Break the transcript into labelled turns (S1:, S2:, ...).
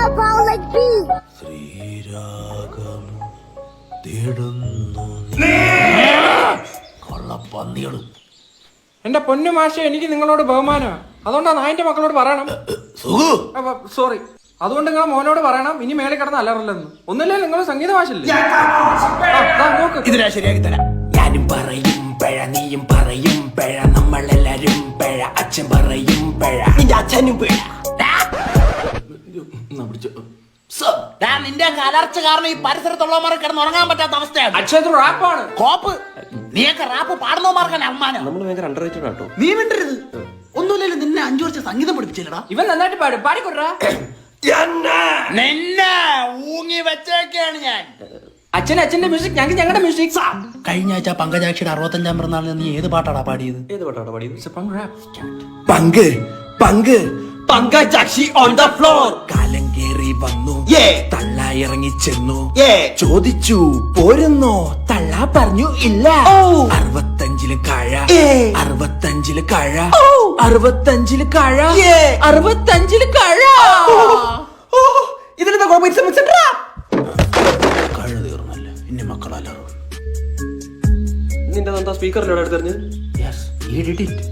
S1: power like me.
S2: ശ്രീരാഗം തേടുന്നു കൊള്ളപ്പന്നികളും.
S3: എന്റെ പൊന്നു മാഷ, എനിക്ക് നിങ്ങളോട് ബഹുമാനമാണ്. അതുകൊണ്ടാ നായന്റെ മക്കളോട് പറയണം. സോറി. അതുകൊണ്ട് നിങ്ങളെ മോനോട് പറയണം ഇനി മേലെ കിടന്ന് അലറില്ലെന്ന്. ഒന്നുമില്ലേ നിങ്ങൾ സംഗീത മാഷല്ലേ?
S2: ഇതിനാ ശരിയാക്കി തരാം. ഞാനും പറയും പിഴ, നീയും പറയും പിഴ, നമ്മളെല്ലാരും പിഴ, അച്ഛൻ പറയും പിഴ, നിന്റെ അച്ഛനും പിഴ. നിന്റെ കലർച്ച കാരണം ഈ പരിസരത്തുള്ളവന്മാരെ കിടന്ന് ഉറങ്ങാൻ പറ്റാത്ത അവസ്ഥയാണ്.
S3: അച്ഛൻ റാപ്പാണ്
S2: കോപ്പ്. നീയൊക്കെ റാപ്പ് പാടുന്നവന്മാർക്കാണ് അമ്മാനം.
S4: നമ്മൾ ഭയങ്കര അണ്ടർറേറ്റഡ് ആട്ടോ.
S2: നീ വിട്ടരുത്. ഒന്നുമില്ലല്ലോ, നിന്നെ 5 വർഷം സംഗീതം പഠിപ്പിച്ചില്ലടാ.
S3: ഇവൻ നന്നായിട്ട് പാടും. പാടിക്കൊടുറാ.
S2: നിന്നെ ഊങ്ങി വെച്ചേക്കാണ് ഞാൻ.
S3: അച്ഛന്റെ മ്യൂസിക്, ഞങ്ങളുടെ മ്യൂസിക്.
S2: കഴിഞ്ഞ ആഴ്ച പങ്കജാക്ഷിയുടെ 65ാം പിറന്നാളിന് നീ ഏത് പാട്ടാടാ പാടിയത്?
S4: ഏത് പാട്ടാണ് പാടിയത്?
S2: പങ്ക് പങ്ക് പങ്കജാക്ഷി ഓൺ ദ ഫ്ലോർ. കാലം കേറി വന്നു, തള്ള ഇറങ്ങി ചെന്നു, ചോദിച്ചു പോരുന്നോ, തള്ള പറഞ്ഞു ഇല്ല. 65 കഴ, 65 കഴ, 65 കഴ, 65 കഴ.
S4: ഇതിലെന്താ കോമ്പറ്റീഷൻ?
S2: കഴ തീർന്നല്ലേ, ഇനി മക്കളല്ലോ.
S4: നിന്റെ എന്താ സ്പീക്കറിലൂടെ എടുത്തെറിഞ്ഞ്?
S2: Yes, he did it.